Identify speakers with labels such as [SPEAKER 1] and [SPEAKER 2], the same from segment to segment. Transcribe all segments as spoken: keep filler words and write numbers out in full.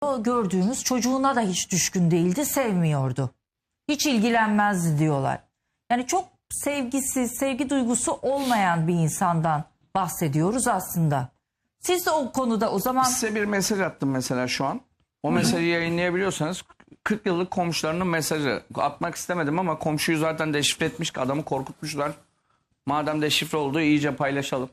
[SPEAKER 1] diyor. Gördüğümüz çocuğuna da hiç düşkün değildi, sevmiyordu. Hiç ilgilenmezdi diyorlar. Yani çok sevgisiz, sevgi duygusu olmayan bir insandan bahsediyoruz aslında. Siz de o konuda o zaman...
[SPEAKER 2] Size bir mesaj attım mesela şu an. O mesajı yayınlayabiliyorsanız kırk yıllık komşularının mesajı. Atmak istemedim ama komşuyu zaten deşifre etmiş, adamı korkutmuşlar. Madem deşifre oldu iyice paylaşalım.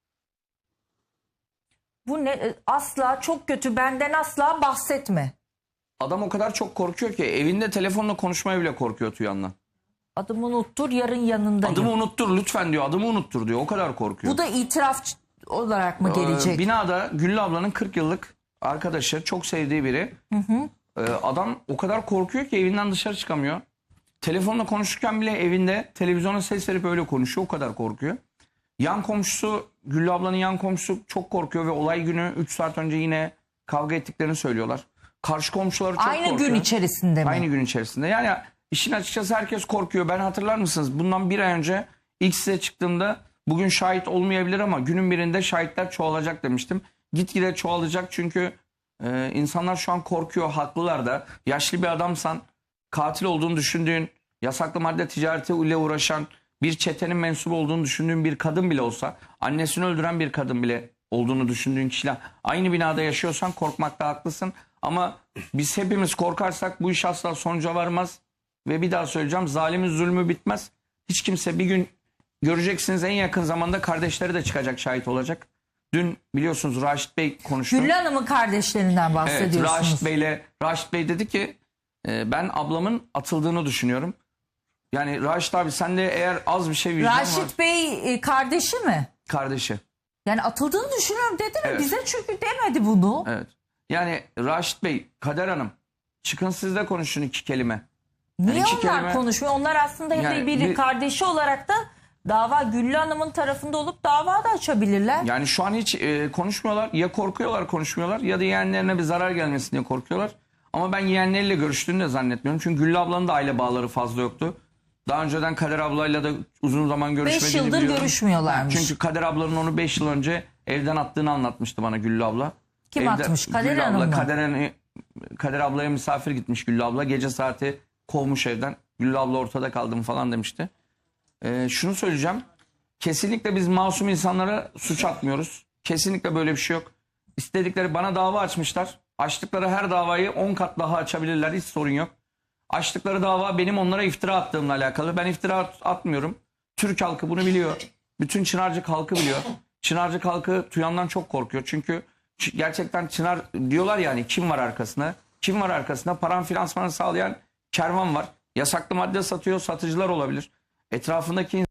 [SPEAKER 1] Bu ne? Asla çok kötü, benden asla bahsetme.
[SPEAKER 2] Adam o kadar çok korkuyor ki evinde telefonla konuşmaya bile korkuyor Tuyan'la.
[SPEAKER 1] Adımı unuttur, yarın yanındayım.
[SPEAKER 2] Adımı unuttur lütfen diyor, adımı unuttur diyor, o kadar korkuyor.
[SPEAKER 1] Bu da itiraf olarak mı gelecek?
[SPEAKER 2] Ee, binada Güllü ablanın kırk yıllık arkadaşı, çok sevdiği biri. Hı hı. Ee, adam o kadar korkuyor ki evinden dışarı çıkamıyor. Telefonla konuşurken bile evinde televizyona ses verip öyle konuşuyor, o kadar korkuyor. Yan komşusu, Güllü ablanın yan komşusu çok korkuyor ve olay günü üç saat önce yine kavga ettiklerini söylüyorlar. Karşı komşuları çok
[SPEAKER 1] Aynı
[SPEAKER 2] korkuyor.
[SPEAKER 1] gün içerisinde mi?
[SPEAKER 2] Aynı gün içerisinde. Yani işin açıkçası herkes korkuyor. Ben hatırlar mısınız? Bundan bir ay önce ilk size çıktığımda bugün şahit olmayabilir ama günün birinde şahitler çoğalacak demiştim. Gitgide çoğalacak çünkü e, insanlar şu an korkuyor. Haklılar da. Yaşlı bir adamsan, katil olduğunu düşündüğün, yasaklı madde ticareti ile uğraşan, bir çetenin mensubu olduğunu düşündüğün bir kadın bile olsa, annesini öldüren bir kadın bile olduğunu düşündüğün kişiler aynı binada yaşıyorsan korkmakta haklısın. Ama biz hepimiz korkarsak bu iş asla sonuca varmaz. Ve bir daha söyleyeceğim, zalimin zulmü bitmez. Hiç kimse, bir gün göreceksiniz en yakın zamanda kardeşleri de çıkacak, şahit olacak. Dün biliyorsunuz Raşit Bey konuştu.
[SPEAKER 1] Güllü Hanım'ın kardeşlerinden bahsediyorsunuz.
[SPEAKER 2] Evet, Raşit Bey'le Raşit Bey dedi ki e, ben ablamın atıldığını düşünüyorum. Yani Raşit abi sen de eğer az bir şey vicdan
[SPEAKER 1] Raşit
[SPEAKER 2] var.
[SPEAKER 1] Bey e, kardeşi mi?
[SPEAKER 2] Kardeşi.
[SPEAKER 1] Yani atıldığını düşünüyorum dedi mi?
[SPEAKER 2] Evet.
[SPEAKER 1] Bize çünkü demedi bunu.
[SPEAKER 2] Evet. Yani Raşit Bey, Kader Hanım çıkın siz de konuşun iki kelime.
[SPEAKER 1] Niye
[SPEAKER 2] Yani iki
[SPEAKER 1] onlar
[SPEAKER 2] kelime-
[SPEAKER 1] konuşmuyor? Onlar aslında hep
[SPEAKER 2] Yani
[SPEAKER 1] bir,
[SPEAKER 2] bir-
[SPEAKER 1] kardeşi olarak da dava Güllü Hanım'ın tarafında olup dava da açabilirler.
[SPEAKER 2] Yani şu an hiç e, konuşmuyorlar. Ya korkuyorlar konuşmuyorlar ya da yeğenlerine bir zarar gelmesin diye korkuyorlar. Ama ben yeğenleriyle görüştüğünü de zannetmiyorum. Çünkü Güllü ablanın da aile bağları fazla yoktu. Daha önceden Kader ablayla da uzun zaman görüşmediğini
[SPEAKER 1] Beş yıldır
[SPEAKER 2] biliyorum.
[SPEAKER 1] görüşmüyorlarmış.
[SPEAKER 2] Çünkü Kader ablanın onu beş yıl önce evden attığını anlatmıştı bana Güllü abla.
[SPEAKER 1] Kim
[SPEAKER 2] Evde,
[SPEAKER 1] atmış? Kader
[SPEAKER 2] Güllü
[SPEAKER 1] Hanım
[SPEAKER 2] abla,
[SPEAKER 1] mı?
[SPEAKER 2] Kader, Kader ablaya misafir gitmiş Güllü abla. Gece saati kovmuş evden. Güllü abla ortada kaldım falan demişti. Ee, şunu söyleyeceğim. Kesinlikle biz masum insanlara suç atmıyoruz. Kesinlikle böyle bir şey yok. İstedikleri, bana dava açmışlar. Açtıkları her davayı on kat daha açabilirler. Hiç sorun yok. Açtıkları dava benim onlara iftira attığımla alakalı. Ben iftira at- atmıyorum. Türk halkı bunu biliyor. Bütün Çınarcık halkı biliyor. Çınarcık halkı Tuyan'dan çok korkuyor. Çünkü ç- gerçekten Çınar diyorlar yani, kim var arkasında? Kim var arkasında? Paran finansmanı sağlayan kervan var. Yasaklı madde satıyor, satıcılar olabilir. Etrafındaki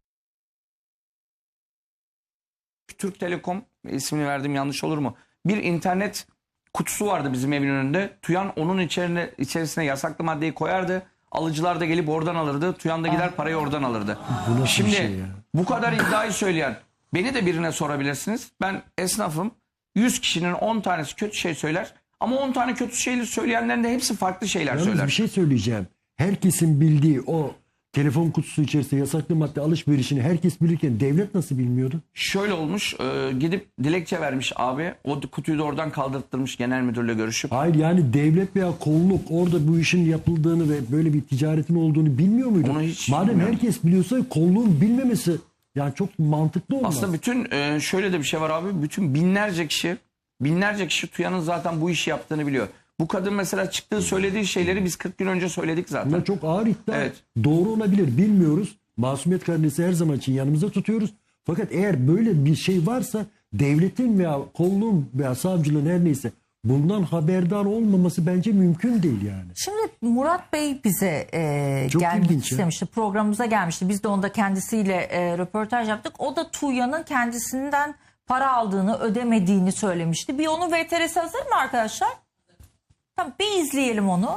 [SPEAKER 2] Türk Telekom, ismini verdim yanlış olur mu? Bir internet kutusu vardı bizim evin önünde. Tuyan onun içerine, içerisine yasaklı maddeyi koyardı. Alıcılar da gelip oradan alırdı. Tuyan da gider parayı oradan alırdı.
[SPEAKER 3] Bu nasıl
[SPEAKER 2] Şimdi
[SPEAKER 3] bir şey ya?
[SPEAKER 2] bu kadar iddiayı söyleyen, beni de birine sorabilirsiniz. Ben esnafım. yüz kişinin on tanesi kötü şey söyler. Ama on tane kötü şeyleri söyleyenlerin de hepsi farklı şeyler
[SPEAKER 3] Yalnız
[SPEAKER 2] söyler.
[SPEAKER 3] bir şey söyleyeceğim. Herkesin bildiği o telefon kutusu içerisinde yasaklı madde alışverişini herkes bilirken devlet nasıl bilmiyordu?
[SPEAKER 2] Şöyle olmuş, e, gidip dilekçe vermiş abi. O kutuyu da oradan kaldırttırmış genel müdürle görüşüp.
[SPEAKER 3] Hayır, yani devlet veya kolluk orada bu işin yapıldığını ve böyle bir ticaretin olduğunu bilmiyor muydu?
[SPEAKER 2] Onu hiç
[SPEAKER 3] Madem
[SPEAKER 2] bilmiyorum.
[SPEAKER 3] herkes biliyorsa kolluğun bilmemesi yani çok mantıklı olmaz.
[SPEAKER 2] Aslında bütün e, şöyle de bir şey var abi. Bütün binlerce kişi, binlerce kişi Tuyan'ın zaten bu işi yaptığını biliyor. Bu kadın mesela çıktığı söylediği şeyleri biz kırk gün önce söyledik zaten.
[SPEAKER 3] Bunlar çok ağır iddia.
[SPEAKER 2] Evet.
[SPEAKER 3] Doğru olabilir, bilmiyoruz. Masumiyet karinesi her zaman için yanımızda tutuyoruz. Fakat eğer böyle bir şey varsa devletin veya kolluğun veya savcılığın her neyse bundan haberdar olmaması bence mümkün değil yani.
[SPEAKER 1] Şimdi Murat Bey bize e,
[SPEAKER 3] Çok
[SPEAKER 1] gelmek
[SPEAKER 3] ilginç ya.
[SPEAKER 1] istemişti. Programımıza gelmişti. Biz de onda kendisiyle e, röportaj yaptık. O da Tuğya'nın kendisinden para aldığını, ödemediğini söylemişti. Bir onun V T R'si hazır mı arkadaşlar? Tamam, bir izleyelim onu.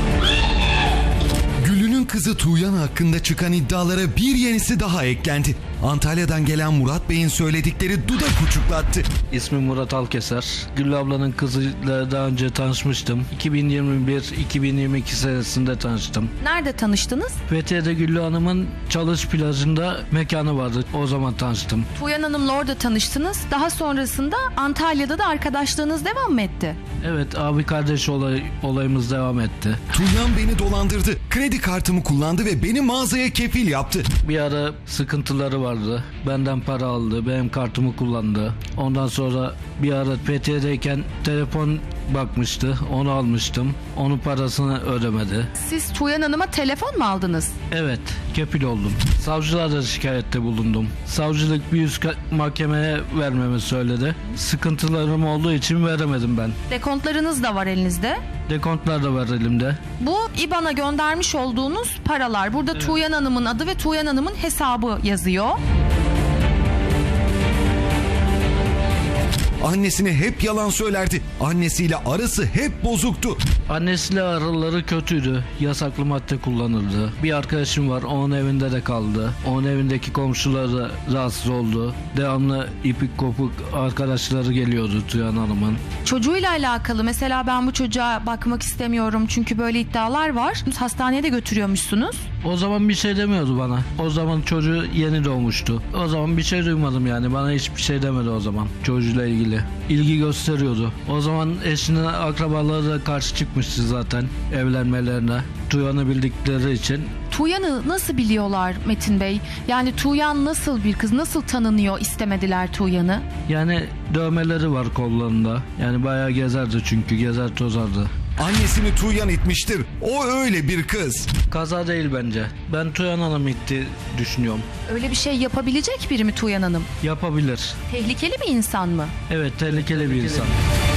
[SPEAKER 4] Güllü'nün kızı Tuğyan hakkında çıkan iddialara bir yenisi daha eklendi. Antalya'dan gelen Murat Bey'in söyledikleri dudak uçuklattı.
[SPEAKER 5] İsmim Murat Alkeser. Güllü ablanın kızıyla daha önce tanışmıştım. iki bin yirmi bir iki bin yirmi iki senesinde tanıştım.
[SPEAKER 6] Nerede tanıştınız?
[SPEAKER 5] Fethiye'de Güllü Hanım'ın çalış plajında mekanı vardı. O zaman tanıştım.
[SPEAKER 6] Tuğyan Hanım'la orada tanıştınız. Daha sonrasında Antalya'da da arkadaşlığınız devam mı etti?
[SPEAKER 5] Evet, abi kardeş olay, olayımız devam etti.
[SPEAKER 4] Tuğyan beni dolandırdı. Kredi kartımı kullandı ve beni mağazaya kefil yaptı.
[SPEAKER 5] Bir ara sıkıntıları vardı. Benden para aldı. Benim kartımı kullandı. Ondan sonra bir ara Fethiye'deyken telefon bakmıştı. Onu almıştım. Onun parasını ödemedi.
[SPEAKER 6] Siz Tuğyan Hanım'a telefon mu aldınız?
[SPEAKER 5] Evet, kefil oldum. Savcılara şikayette bulundum. Savcılık bir üst mahkemeye vermemi söyledi. Sıkıntılarım olduğu için veremedim ben.
[SPEAKER 6] Dekontlarınız da var elinizde.
[SPEAKER 5] Dekontlar da var elimde.
[SPEAKER 6] Bu İ B A N''a göndermiş olduğunuz paralar. Burada evet. Tuğyan Hanım'ın adı ve Tuğyan Hanım'ın hesabı yazıyor.
[SPEAKER 4] Annesine hep yalan söylerdi. Annesiyle arası hep bozuktu.
[SPEAKER 5] Annesiyle araları kötüydü. Yasaklı madde kullanırdı. Bir arkadaşım var, onun evinde de kaldı. Onun evindeki komşuları da rahatsız oldu. Devamlı ipik kopuk arkadaşları geliyordu Tuğyan Hanım'ın.
[SPEAKER 6] Çocuğuyla alakalı mesela ben bu çocuğa bakmak istemiyorum çünkü böyle iddialar var. Hastaneye de götürüyormuşsunuz.
[SPEAKER 5] O zaman bir şey demiyordu bana. O zaman çocuğu yeni doğmuştu. O zaman bir şey duymadım yani. Bana hiçbir şey demedi o zaman çocuğuyla ilgili. İlgi gösteriyordu. O zaman eşinin akrabaları da karşı çıkmıştı zaten evlenmelerine. Tuğyan'ı bildikleri için.
[SPEAKER 6] Tuğyan'ı nasıl biliyorlar Metin Bey? Yani Tuğyan nasıl bir kız? Nasıl tanınıyor istemediler Tuğyan'ı?
[SPEAKER 5] Yani dövmeleri var kollarında. Yani bayağı gezerdi çünkü. Gezer tozardı.
[SPEAKER 4] Annesini Tuğyan itmiştir. O öyle bir kız.
[SPEAKER 5] Kaza değil bence. Ben Tuğyan Hanım itti düşünüyorum.
[SPEAKER 6] Öyle bir şey yapabilecek biri mi Tuğyan Hanım?
[SPEAKER 5] Yapabilir.
[SPEAKER 6] Tehlikeli bir insan mı?
[SPEAKER 5] Evet, tehlikeli bir insan.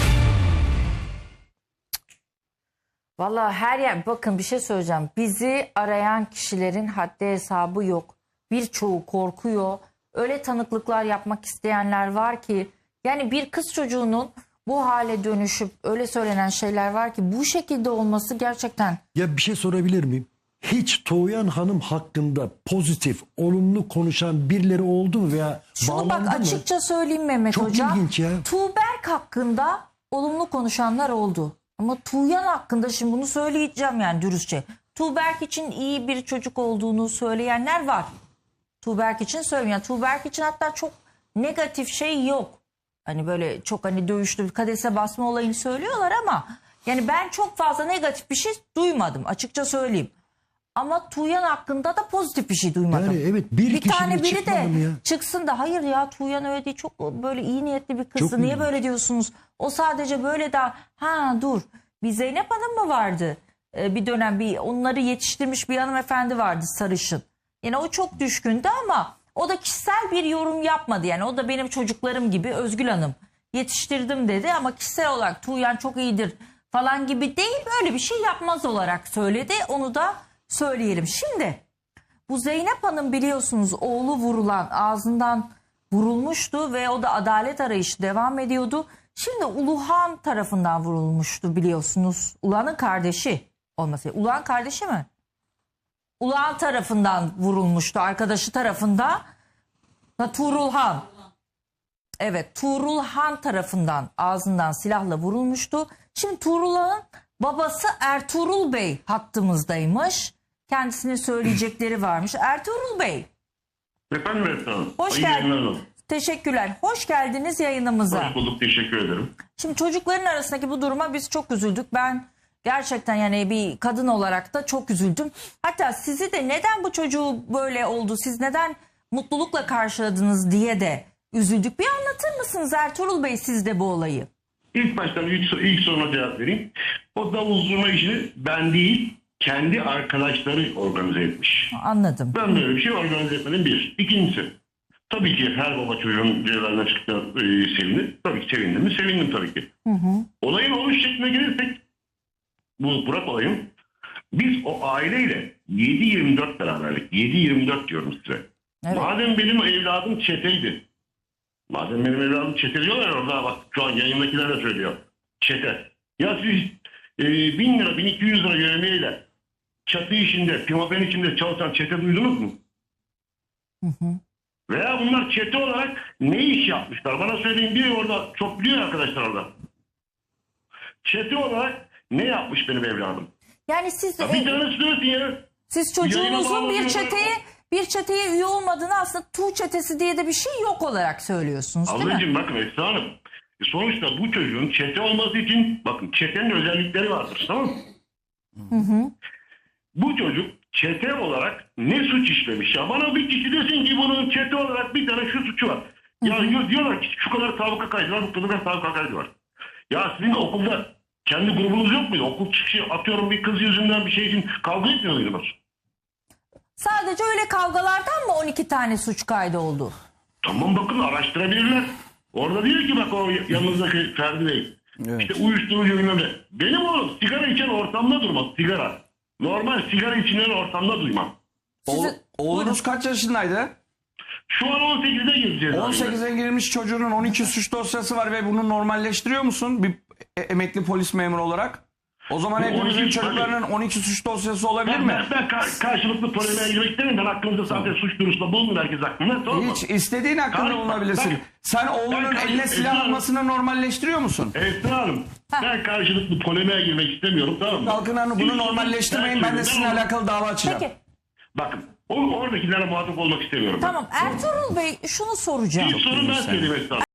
[SPEAKER 1] Vallahi her yer, bakın bir şey söyleyeceğim. Bizi arayan kişilerin haddi hesabı yok. Birçoğu korkuyor. Öyle tanıklıklar yapmak isteyenler var ki, yani bir kız çocuğunun bu hale dönüşüp öyle söylenen şeyler var ki bu şekilde olması gerçekten.
[SPEAKER 3] Ya bir şey sorabilir miyim? Hiç Tuğyan Hanım hakkında pozitif, olumlu konuşan birileri oldu mu veya
[SPEAKER 1] Şunu
[SPEAKER 3] bağlandı
[SPEAKER 1] bak
[SPEAKER 3] mı?
[SPEAKER 1] açıkça söyleyeyim Mehmet
[SPEAKER 3] Çok
[SPEAKER 1] Hoca.
[SPEAKER 3] ilginç ya.
[SPEAKER 1] Tuğberk hakkında olumlu konuşanlar oldu. Ama Tuğyan hakkında şimdi bunu söyleyeceğim yani dürüstçe. Tuğberk için iyi bir çocuk olduğunu söyleyenler var. Tuğberk için söylüyorum. Yani Tuğberk için hatta çok negatif şey yok. Hani böyle çok hani dövüştü, kadese basma olayını söylüyorlar ama yani ben çok fazla negatif bir şey duymadım açıkça söyleyeyim. Ama Tuğyan hakkında da pozitif bir şey duymadım.
[SPEAKER 3] Yani evet, bir,
[SPEAKER 1] bir tane biri de
[SPEAKER 3] ya.
[SPEAKER 1] çıksın da hayır ya Tuğyan öyle değil, çok böyle iyi niyetli bir kızdı,
[SPEAKER 3] Çok
[SPEAKER 1] niye
[SPEAKER 3] iyi.
[SPEAKER 1] böyle diyorsunuz? O sadece böyle daha ha dur, bir Zeynep Hanım mı vardı? Ee, bir dönem bir onları yetiştirmiş bir hanımefendi vardı sarışın. Yani o çok düşkündü ama o da kişisel bir yorum yapmadı. Yani o da benim çocuklarım gibi Özgül Hanım yetiştirdim dedi ama kişisel olarak Tuğyan çok iyidir falan gibi değil, böyle bir şey yapmaz olarak söyledi. Onu da söyleyelim. Şimdi bu Zeynep Hanım biliyorsunuz oğlu vurulan, ağzından vurulmuştu ve o da adalet arayışı devam ediyordu. Şimdi Uluhan tarafından vurulmuştu biliyorsunuz. Uluhan'ın kardeşi olması. Uluhan kardeşi mi? Uluhan tarafından vurulmuştu. Arkadaşı tarafından. Ha, Tuğrulhan. Evet, Tuğrulhan tarafından ağzından silahla vurulmuştu. Şimdi Tuğrulhan'ın babası Ertuğrul Bey hattımızdaymış. Kendisinin söyleyecekleri varmış. Ertuğrul Bey.
[SPEAKER 7] Efendim efendim.
[SPEAKER 1] Hoş geldiniz. Teşekkürler. Hoş geldiniz yayınımıza.
[SPEAKER 7] Hoş bulduk, teşekkür ederim.
[SPEAKER 1] Şimdi çocukların arasındaki bu duruma biz çok üzüldük. Ben gerçekten yani bir kadın olarak da çok üzüldüm. Hatta sizi de neden bu çocuğu böyle oldu, siz neden mutlulukla karşıladınız diye de üzüldük. Bir anlatır mısınız Ertuğrul Bey siz de bu olayı?
[SPEAKER 7] İlk baştan ilk, ilk soruna cevap vereyim. O davul zurna işini ben değil, kendi arkadaşları organize etmiş.
[SPEAKER 1] Anladım.
[SPEAKER 7] Ben böyle bir şey organize etmedim bir. İkincisi, tabii ki her baba çocuğun cezaevinden çıktığına e, sevinir. Tabii ki sevindim mi? Sevindim tabii ki. Hı hı. Olayın oluş şekline gelirsek, bu Burak olayım, biz o aileyle yedi yirmi dört beraberlik. yedi yirmi dört diyorum size. Evet. Madem benim evladım çeteydi. Madem benim evladım çete diyorlar orada, bak şu an yayındakiler de söylüyor. Çete. Ya siz e, bin lira, bin iki yüz lira yövmeyle çatı işinde, pimapen içinde çalışan çete duydunuz mu?
[SPEAKER 1] Hı hı.
[SPEAKER 7] Veya bunlar çete olarak ne iş yapmışlar? Bana söyleyin, biri orada çok biliyor arkadaşlar orada. Çete olarak ne yapmış benim evladım?
[SPEAKER 1] Yani siz
[SPEAKER 7] Ya bir
[SPEAKER 1] e,
[SPEAKER 7] tanesi söylesin ya.
[SPEAKER 1] siz
[SPEAKER 7] Yayına
[SPEAKER 1] çocuğunuzun bir
[SPEAKER 7] bağlanıyor.
[SPEAKER 1] çeteye bir çeteye üye olmadığını, aslında Tuğ çetesi diye de bir şey yok olarak söylüyorsunuz, değil mi?
[SPEAKER 7] Ablacığım bakın Esra Hanım. E sonuçta bu çocuğun çete olması için bakın çetenin özellikleri vardır, tamam mı?
[SPEAKER 1] Hı hı.
[SPEAKER 7] Bu çocuk çete olarak ne suç işlemiş? Ya bana bir kişi desin ki bunun çete olarak bir tane şu suçu var. Ya hı hı. diyorlar ki şu kadar sabıka kaydı var, bu kadar sabıka kaydı var. Ya sizin okulda kendi grubunuz yok muydu? Okul çıkışı atıyorum bir kız yüzünden bir şey için kavga etmiyor muydunuz?
[SPEAKER 1] Sadece öyle kavgalardan mı on iki tane suç kaydı oldu?
[SPEAKER 7] Tamam, bakın araştırabilirler. Orada diyor ki bak o yanınızdaki Ferdi Bey.
[SPEAKER 2] Evet.
[SPEAKER 7] İşte uyuşturucu bilmem ne. Benim oğlum sigara içen ortamda durmaz, sigara. Normal sigara içilen ortamda duymam.
[SPEAKER 2] Oğul-
[SPEAKER 1] Sizi-
[SPEAKER 2] oğlunuz kaç yaşındaydı?
[SPEAKER 7] Şu an on sekizde gireceğiz.
[SPEAKER 2] on sekize girmiş çocuğunun on iki suç dosyası var ve bunu normalleştiriyor musun bir e- emekli polis memuru olarak? O zaman
[SPEAKER 7] Bu
[SPEAKER 2] hepimizin
[SPEAKER 7] on iki
[SPEAKER 2] çocuklarının on iki suç dosyası olabilir
[SPEAKER 7] Ben,
[SPEAKER 2] mi?
[SPEAKER 7] ben, ben ka- karşılıklı polemiğe girmek istemiyorum. Ben hakkınızda zaten suç duyurusunda bulunun herkes hakkında. Tamam mı?
[SPEAKER 2] Hiç istediğin hakkında
[SPEAKER 7] Karşı-
[SPEAKER 2] bulunabilirsin.
[SPEAKER 7] ben-
[SPEAKER 2] Sen oğlunun
[SPEAKER 7] ben-
[SPEAKER 2] eline silah
[SPEAKER 7] Esra-
[SPEAKER 2] almasını normalleştiriyor musun?
[SPEAKER 7] Esra Hanım, ben karşılıklı polemiğe girmek istemiyorum, tamam mı?
[SPEAKER 2] Kalkın Hanım bunu
[SPEAKER 7] Siz-
[SPEAKER 2] normalleştirmeyin, ben de sizinle
[SPEAKER 7] Ben-
[SPEAKER 2] alakalı dava açacağım.
[SPEAKER 1] Peki,
[SPEAKER 7] Bakın, o, oradakilere muhatap olmak istemiyorum. ben.
[SPEAKER 1] tamam, Ertuğrul Bey, şunu soracağım.
[SPEAKER 7] İlk sorun ben söyleyeyim Esra Hanım.